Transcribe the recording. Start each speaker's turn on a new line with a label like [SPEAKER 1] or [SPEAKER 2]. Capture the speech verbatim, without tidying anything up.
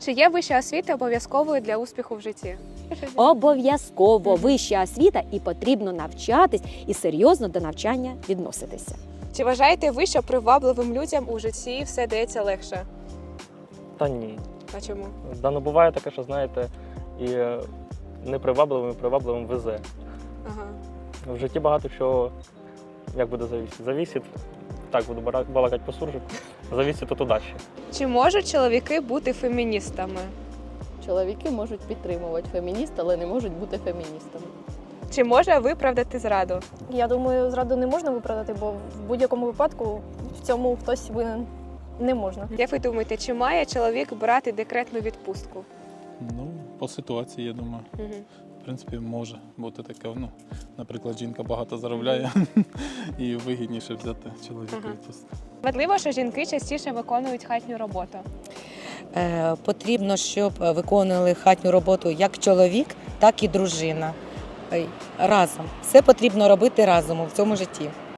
[SPEAKER 1] Чи є вища освіта обов'язковою для успіху в житті?
[SPEAKER 2] Обов'язково вища освіта і потрібно навчатись і серйозно до навчання відноситися.
[SPEAKER 1] Чи вважаєте ви, що привабливим людям у житті все дається легше?
[SPEAKER 3] Та ні.
[SPEAKER 1] А чому?
[SPEAKER 3] Да, ну буває таке, що знаєте, і е, непривабливим, і привабливим везе.
[SPEAKER 1] Ага.
[SPEAKER 3] В житті багато чого, як буде завісити. Завісить, так буду бара- балакати по суржику, завісить от удачі.
[SPEAKER 1] Чи можуть чоловіки бути феміністами?
[SPEAKER 4] Чоловіки можуть підтримувати фемініст, але не можуть бути феміністами.
[SPEAKER 1] Чи може виправдати зраду?
[SPEAKER 5] Я думаю, зраду не можна виправдати, бо в будь-якому випадку в цьому хтось винен не можна.
[SPEAKER 1] Як ви думаєте, чи має чоловік брати декретну відпустку?
[SPEAKER 6] Ну, по ситуації, я думаю.
[SPEAKER 1] Угу.
[SPEAKER 6] В принципі, може бути таке. Ну, наприклад, жінка багато заробляє і вигідніше взяти чоловіка
[SPEAKER 1] Ага.
[SPEAKER 6] відпустку.
[SPEAKER 1] Важливо, що жінки частіше виконують хатню роботу.
[SPEAKER 7] Е, Потрібно, щоб виконували хатню роботу як чоловік, так і дружина. Ой, разом. Все потрібно робити разом у цьому житті.